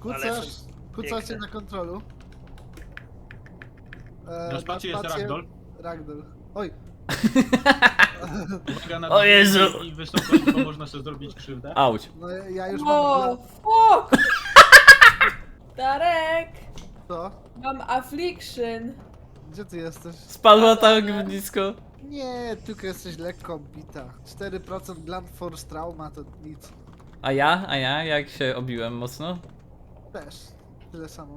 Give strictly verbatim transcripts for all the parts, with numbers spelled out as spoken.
Kucasz, kucacie na kontrolu. E, Na spacie jest spację- ragdoll. Ragdoll. Oj, Uwaga na O Jezu! dźwięki i wysokość, bo można sobie zrobić krzywdę. Auć. no ja już O, mam... fuck! Darek! Co? Mam affliction. Gdzie ty jesteś? Spadła tak blisko. Nie, tylko jesteś lekko bita. cztery procent Blunt Force Trauma to nic. A ja? A ja? Jak się obiłem mocno? Też. Tyle samo.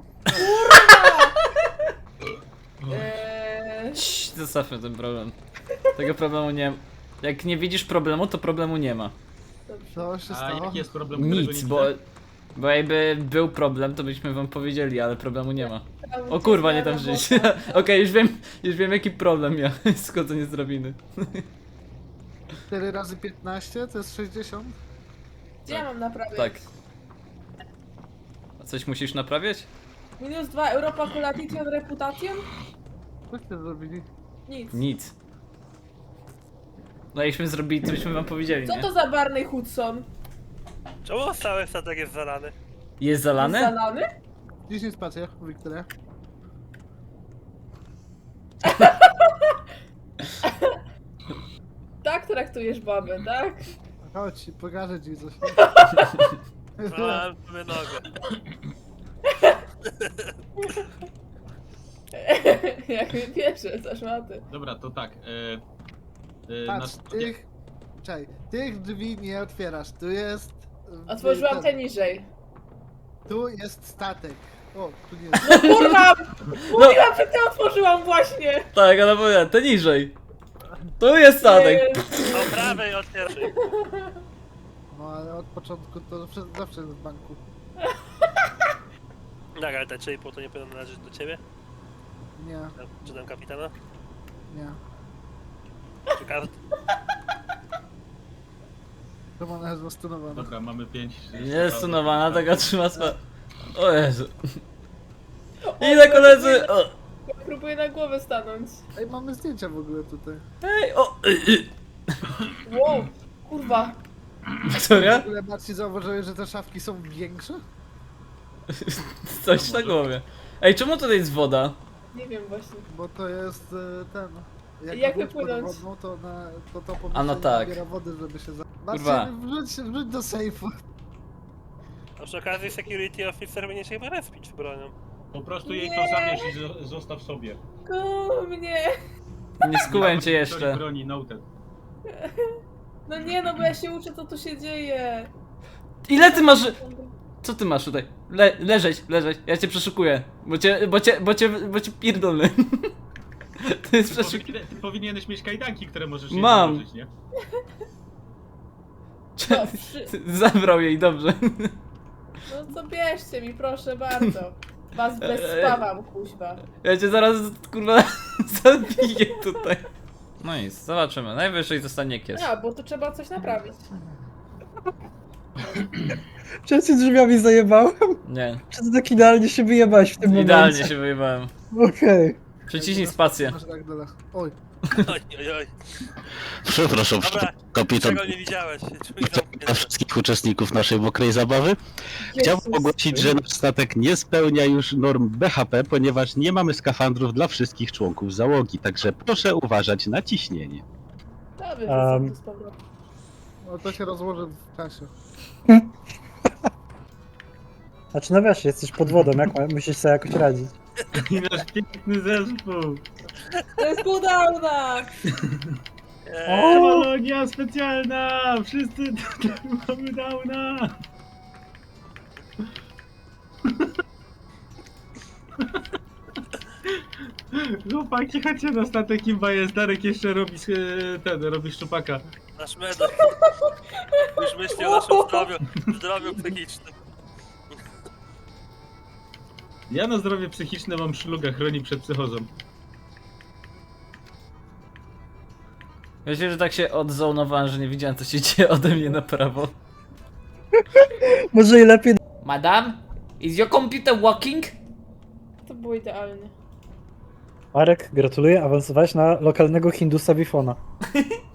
Eee, Cii, zostawmy ten problem. Tego problemu nie ma. Jak nie widzisz problemu, to problemu nie ma. dobrze. Co się A stało? jaki jest problem, którego Nic, nie bo... widzę? Bo jakby był problem, to byśmy wam powiedzieli, ale problemu nie ma. Tam O kurwa, nie gdzieś tam na żyć. robotę. Okej, już wiem, już wiem jaki problem miał. Schodzenie z drabiny. cztery razy piętnaście to jest sześćdziesiąt? Gdzie ja mam naprawiać? Tak. A coś musisz naprawiać? Minus dwa Europa Colation Reputation? Coście zrobili? Nic. Nic. No jakbyśmy zrobili, to byśmy wam powiedzieli, Co nie? to za Barney Hudson? Czemu cały statek jest zalany? Jest zalane? Zalany? dziesięć spacie, Wiktoria. Tak traktujesz babę, tak? Chodź, pokażę ci coś. Zalałem sobie nogę. Jak mnie bierze za szmaty. Dobra, to tak. E, e, Patrz, na- tych... Czekaj, tych drzwi nie otwierasz. Tu jest... e, Otworzyłam ten- te niżej. Tu jest statek. O, tu nie jest. Kurwa! Mówiłam, że ty otworzyłam właśnie! Tak, ale powiem, to niżej. Tu jest statek. Eee, Po prawej otwieraj. No ale od początku to zawsze, zawsze jest w banku. Tak, ale te trzy i pół to nie powinno należeć do ciebie? Nie, Czy tam kapitana? nie. Czy kart? To ona jest zastunowana. Dobra, mamy pięć. Jest stunowana, taka trzyma swa... O Jezu. Ile koledzy? O. próbuję na głowę stanąć. Ej, mamy zdjęcia w ogóle tutaj. Hej, o! y, y. Wow, kurwa. Wiktoria? W ogóle Marcin zauważyłeś, że te szafki są większe? Coś na głowie. Ej, czemu tutaj jest woda? Nie wiem właśnie. Bo to jest e, ten... Jak łódź wypłynąć? podwodną, to, na, to to A no pomieszczenie tak. nabiera wody, żeby się za... Kurwa. Marcin, wrzuć, wrzuć do sejfu. A przy okazji security officer będzie się chyba respić bronią. Po prostu jej Nie. to zabierz i zo- zostaw sobie. Ku mnie. Nie skułem cię Historii jeszcze. broni noted. No nie no, bo ja się uczę, co tu się dzieje. Ile ty masz... Co ty masz tutaj? Le leżeć, leżeć. Ja cię przeszukuję. Bo cię, bo cię, bo cię, bo cię pierdolę. To jest Ty, przeszuk... powinien, ty powinieneś mieć kajdanki, które możesz jej Mam. założyć, nie? No, przy... Zabrał jej, dobrze. no to bierzcie mi, proszę bardzo. Was bezspawam, kuźwa. Ja cię zaraz, kurwa, zabiję tutaj. No i zobaczymy. Najwyżej zostanie kies. A, bo tu trzeba coś naprawić. Czy ja się drzwiami zajebałem? Nie. Czy ty tak idealnie się wyjebałeś w tym momencie? Idealnie się wyjebałem. Okej. Przyciśnij spację. Masz tak dole. Oj. Oj, oj, oj. Przepraszam, Dobra, kapitan czego nie widziałeś? Drzwi dla zamknięte. wszystkich uczestników naszej mokrej zabawy. Chciałbym Jezus. ogłosić, że nasz statek nie spełnia już norm B H P, ponieważ nie mamy skafandrów dla wszystkich członków załogi, także proszę uważać na ciśnienie. Dobrze, Um. um. z powrotem. No to się rozłoży w czasie. Znaczy no wiesz, jesteś pod wodą, jak ma- musisz sobie jakoś radzić. I nasz piękny zespół. To jest cooldowna! Eee, Kolonia specjalna! Wszyscy tutaj mamy downa! Chłopaki, chodźcie na statek, imba jest. Darek jeszcze robi e, ten, robi szczupaka. nasz medal. Już myśli o naszym zdrowiu, zdrowiu psychicznym. Ja na zdrowie psychiczne mam szluga, chroni przed psychozą. Myślę, że tak się odzonowałem, że nie widziałem, co się dzieje ode mnie na prawo. Może i lepiej... Madam? Is your computer working? To było idealnie. Marek, gratuluję, awansowałeś na lokalnego Hindusa Bifona.